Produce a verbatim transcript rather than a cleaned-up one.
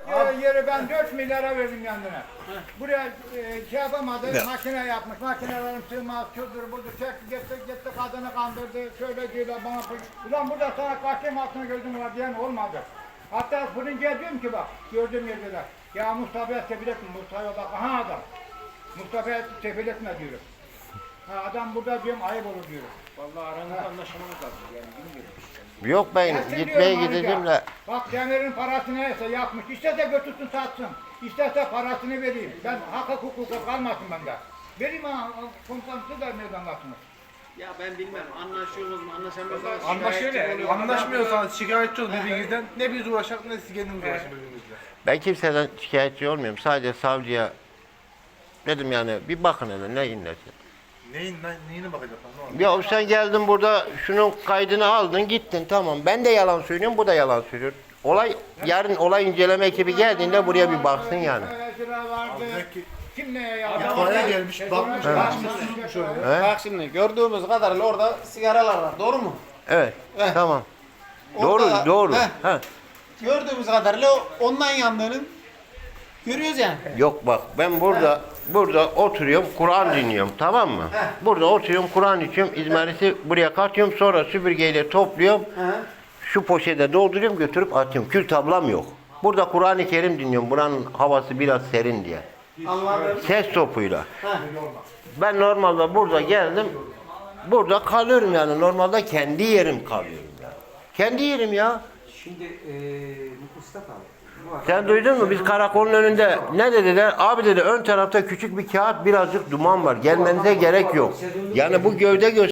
Ee, yeri ben dört milyara verdim kendine. Buraya e, şey yapamadı, Ne? makine yapmış. Makinelerim sığmaz, şudur budur, çekti gitti, gitti kadını kandırdı. Şöyle diyorlar bana, ulan burada sana kaçayım altına gözüm var diyen olmadı. Hatta fırıncıya diyorum ki bak, gördüğüm yerdeler. Ya Mustafa'ya tefil etme, Mustafa'ya bak, aha adam. Mustafa'ya tefil etme diyorum. Ha, adam burada diyorum, ayıp olur diyorum. Vallahi aranızda anlaşmanız lazım yani bilmiyorum. Yok ben Gelsin gitmeye diyorum gideceğim ayrıca. de. Bak demirin parası neyse yapmış. İsterse götürsün satsın. İsterse parasını vereyim. Ben hak hukuka kalmasın bende. Vereyim ha komutansı da neden katmış. Ya ben bilmem anlaşıyoruz mu anlaşamıyoruz mu? Anlaşıyor Anlaşmıyorsanız şikayetçi olun birbirinizden. Ne biz uğraşak ne siz kendiniz uğraşın birbirinizle. Ben kimseden şikayetçi olmuyorum. Sadece savcıya dedim yani bir bakın hele neyin nesi. Neyin, ne, neyine bakacaklar ne oldu? Ya sen geldin burada şunun kaydını aldın gittin tamam. Ben de yalan söylüyorum bu da yalan söylüyor. Olay yarın olay inceleme ekibi geldiğinde buraya bir baksın yani. Sıra vardı. Belki Kim neye yaptı? itfaiye gelmiş, bakmış, bakmış, susmuş öyle. He? Bak şimdi gördüğümüz kadarıyla orada sigaralar var. Doğru mu? Evet Heh. tamam. Orada- Doğru doğru. Heh. Ha. Gördüğümüz kadarıyla ondan yandığını görüyoruz yani. Yok bak ben burada burada oturuyorum Kur'an dinliyorum tamam mı? Burada oturuyorum Kur'an içiyorum izmariti buraya katıyorum sonra süpürgeyle topluyorum. He. Şu poşete dolduruyorum götürüp atıyorum. Kül tablam yok. Burada Kur'an-ı Kerim dinliyorum. Buranın havası biraz serin diye. Anladım. Ses topuyla. Heh. Ben normalde burada geldim. Burada kalıyorum yani. Normalde kendi yerim kalıyorum yani. Kendi yerim ya. Şimdi eee Mustafa bu arada Sen duydun mu? Biz karakolun önünde ne dediler? Abi dedi ön tarafta küçük bir kağıt birazcık duman var. Gelmenize gerek yok. Yani bu gövde göster